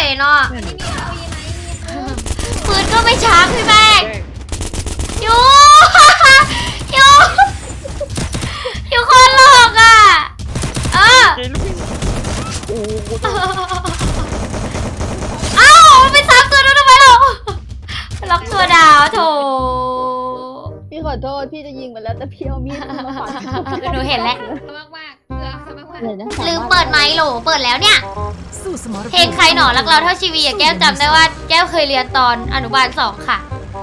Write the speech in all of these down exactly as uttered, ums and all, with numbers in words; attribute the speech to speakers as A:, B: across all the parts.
A: เนาะปืนก็ไม่ช้าพี่แบงอยู่อยู่อยู่คนหลอกอ่ะเออเอ้าไปซ้ำตัวนู้นทำไมเราล็อกตัวดาวโถ
B: พี่ขอโทษพี่จะยิงไปแล้วแต่พี่เอามีดมาฟัน
A: หนูเห็นแล้ว
C: มากมากเกลือมากมาก
A: ลืมเปิดไมค์โหลเปิดแล้วเนี่ยเพลงใครหนอรักเราเท่าชีวีอะแก้วจำได้ว่าแก้วเคยเรียนตอนอนุบาลสองค่ะ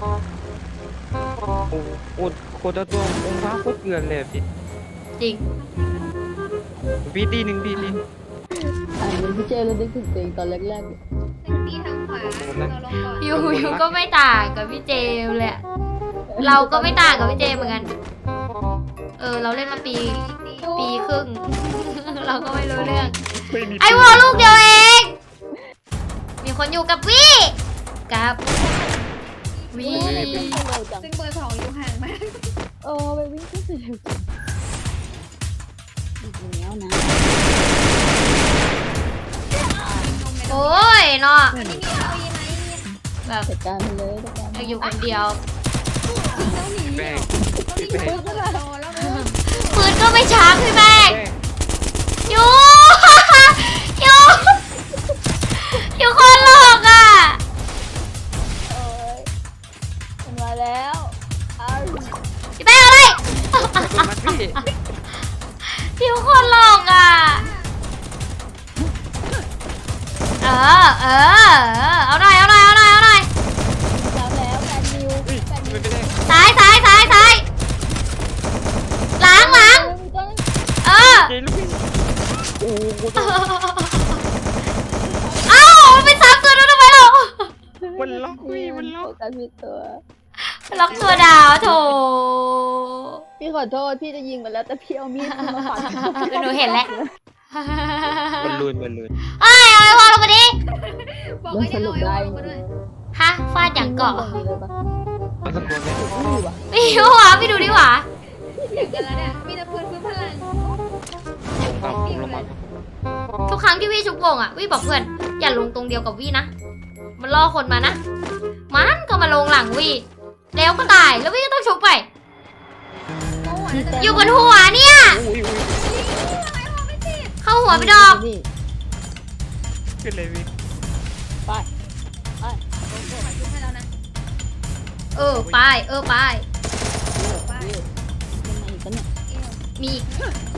D: โอ้โหโคตรตัวองค์พระโคตรเกลือนเลยพี่
A: จริง
D: พี่ตีหนึ่งพี่ตี
B: อันนี้พี่เจเราได้ถึงตัวเองตอนแรก
C: หนึ่งตีทางขวาเราลงก่อน
A: ยูยูก็ไม่ต่างกับพี่เจมเลยอะเราก็ไม่ต่างกับพี่เจมเหมือนกันเออเราเล่นมาปีปีครึ่ง เราก็ไม่รู้เรื่องไอ้วอลลูกเดียวเองมีคนอยู่กับวี่กับวี่
B: ๆเร็วจัง
C: ซึ่งเบอร์สองอยู่ห่างมาก
B: โอ้ไปวิ่งขึ้นไปเร็วจังอีกแล้วนะ
A: โอ้ยเนาะ
C: อันนี้มีเอายังไง
A: แบบ
B: จัดการไปเลยจัดการไป
A: อยู่คนเดียว
C: ต้องหนี
D: แบง
C: ต้องหนีปึ๊บแล้วรอแล้วนะ
A: ปืนก็ไม่ช้าพี่แบงยูยูยูคนหลอกอ่ะ
B: โอ้ยมันมาแล้วอ้าว
A: พี่แบงเอาเลย
D: มาพี่
A: ยูคนหลอกอ่ะเออเออเอาหน่อยเอาหน่อยเอาหน่อยเอาหน่อย
B: แล้วแล้วแฟนนิวแฟนนิว
D: ไม่ได้
A: ซ้ายซ้ายซ้ายซ้ายหลังหลังเออ
D: เจลูกพี่โอ้โห
A: เอ้าไปซ้ำตัวนู้นทำไมเรา
D: มันล็อกพี่มันล็อก
B: กันผิดตัว
A: ล็อกตัวดาวโถ
B: พี่ขอโทษพี่จะยิงไปแล้วแต่พี่เอามีดมาฟัน
A: หนูเห็นแล้ว
D: มันลุนมันลุน
A: เอ้ยเอาไอ้วอลลงมาดิ
C: บอกว่าจะเอาไอ้วอลมาด้วย
A: ฮะฟาดอย่างเกาะ
D: มันสักตัวไหม
B: นี่วะ
A: ไม่รู้หวะไม่ดูดิหวะ
C: อย่างกันแล้วเนี่ยมีแต่ปืนฟื้นพลัง
D: ตามผมลงมา
A: ทุกครั้งที่วี่ชุบโกงอ่ะวี่บอกเพื่อนอย่าลงตรงเดียวกับวี่นะมันล่อคนมานะมันก็มาลงหลังวี่แล้วก็ตายแล้ววี่ก็ต้องชุบไปอยู่บนหัวเนี่ย
D: อุ้ยอุ้ย
A: เข้าหัวไปดอก
B: นี่
D: ขึ้นเลยพี่
B: ไปไป
C: ฟื้นให้แล้วนะ
A: เออไปเออไป
C: ไป
B: ยังไงอีกกันเนี่ย
A: มีอีก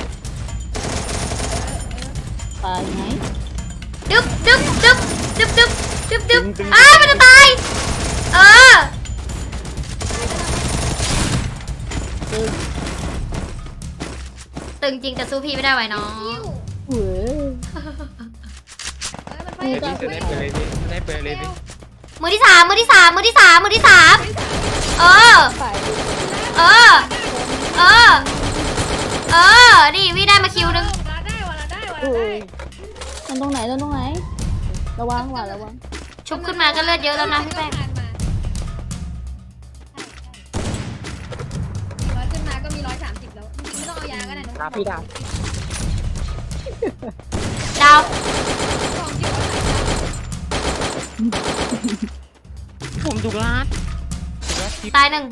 B: ตายไหม
A: ดึ๊บดึ๊บดึ๊บดึ๊บดึ๊บดึ๊บดึ๊บอ้ามันจะตายเออ
B: ตึ้ง
A: ตึงจริงแต่สู้พี่ไม่ได้ไว้น้อง
B: เว้ย
C: ไป
D: เดี๋ยวพี่จะได้เปิดเลยพี่ได้เปิดเลยพี่
A: มือที่สามมือที่สามมือที่สามมือที่สามเออ
B: ไป
A: เออเออเออนี่วี่ได้มาคิวนึง
C: เราได้ว่ะเราได้ว่ะ
B: อุ้
C: เรา
B: ย
C: ได้
B: มันตรงไหนตรงไหนระวังว่ะระวัง
A: ชุบขึ้นมาก็เลือดเยอะแล้วนะพี่แป้ง
C: ร้อยขึ้นมาก็มีร้อยสามสิบแล้วจริงๆไม่ต้องเอายาก็ได้น้อง
D: ดาพี่ดาว
A: ดาว
C: สองจิ๋ว
D: ผมถูกล้าน
A: ตายหนึ่ง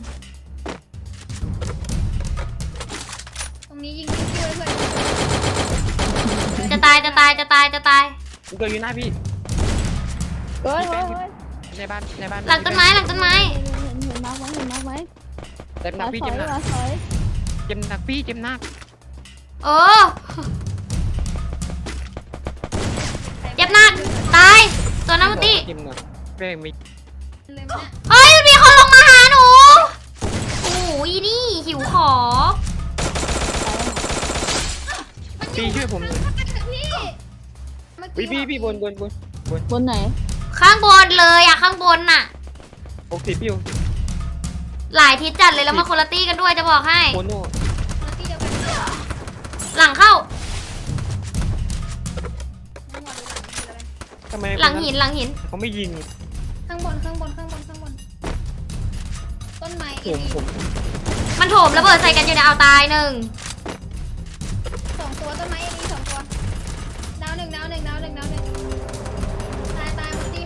C: ตรงนี้ยิงคิวเลยเพื่อน
A: จะตายจะตายจะตายจะตาย
D: ผมเกิดอยู่หน้าพี่
B: เฮ้ยเฮ้ยเฮ้ย
D: ในบ้านในบ้าน
A: หลังต้นไม้หลังต้นไม้
B: เห็นเห็นมาร์คไหมเห็นมาร์คไหม
D: เจ็บหนั
B: มาก
D: พี่
B: ถอ
D: เจ็
B: ย
D: บหนัก
B: มาถอย
D: เจ็บหนักพี่เจ็บหนัก
A: เออเจ็บหนักตายตัวน้ำมันตี
D: เจ็บหนักแม่งมี
C: เลยมั้ย
A: เฮ้ยมันมีคนลงมาหาหนูโอ้โหอีนี่หิวของ
D: พี่ช่วยผมหน่อย
C: พี่
D: พี่พี่พี่บนบนบน
B: บนไหน
A: ข้างบนเลยอะข้างบนน่ะ
D: หกสิบพี่
A: หลายทิศจัดเลยแล้วมาคนละตี้กันด้วยจะบอกให้
D: โคโน่
C: ที่เดียวกัน
A: หลังเข้า
D: ทำไม
A: หลังหินหลังหิน
D: เขาไม่ยิง
C: ข้างบนข้างบนข้างบนข้างบนต้นไม้
D: ผ
C: อี
D: มผม
A: มันโถมระเบิดใส่กันอยู่ในเอาตายหนึ่ง
C: สองตัวต้นไม้อีสองตัวดาวหนึ่งดาวหนึ่งดาวหนึ่งดาวหนึ่งตายตายมันตี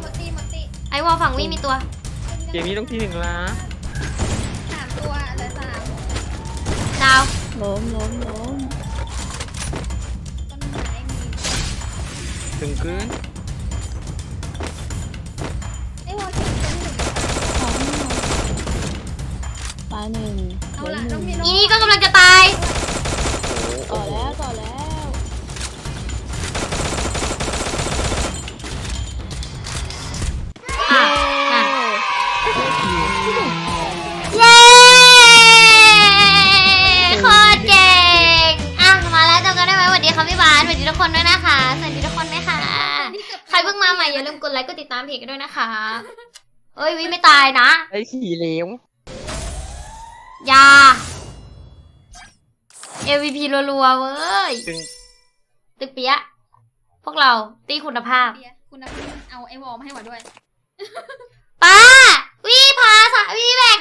A: ไอ้วอลฝั่งวิมีตัว
D: เกมนี้ต้องที่หนึ่งละ
C: สามตัวเหลือสาม
A: ดาว
B: ล้มล้มล้ม
C: ต้นไม้มี
D: ถึงคืน
C: ไอ้วอลเก็บตัวที่หนึ่ง
B: สองตายหนึ่ง
C: เอา
B: เหลื
C: ละ
B: ห
C: ต้
B: นึ่
C: อง
B: ง
C: มี
A: อีนี่ก็กำลังจะตาย
B: ต่อแล้วต่อแล้ว
A: อ่ะนั่น
B: เย้
A: เย้โคตรเก่งอ่ะมาแล้วจำกันได้ไหมสวัสดีค่ะพี่บาสสวัสดีทุกคนด้วยนะคะสวัสดีทุกคนไหมคะใครเพิ่งมาใหม่อย่าลืมกดไลค์กดติดตามเพจกันด้วยนะคะเอ้ยวิไม่ตายนะ
D: ไอ้ขี่เหลว
A: อยา เอ วี พี รัวๆเว้ย
D: ถึง
A: ตึกเปียะพวกเราตีคุณภาพ
C: เบียร์คุณน้ำเอาไอ้วอลมาให้หวาด้วย
A: ป้าวิพาสะวิแบก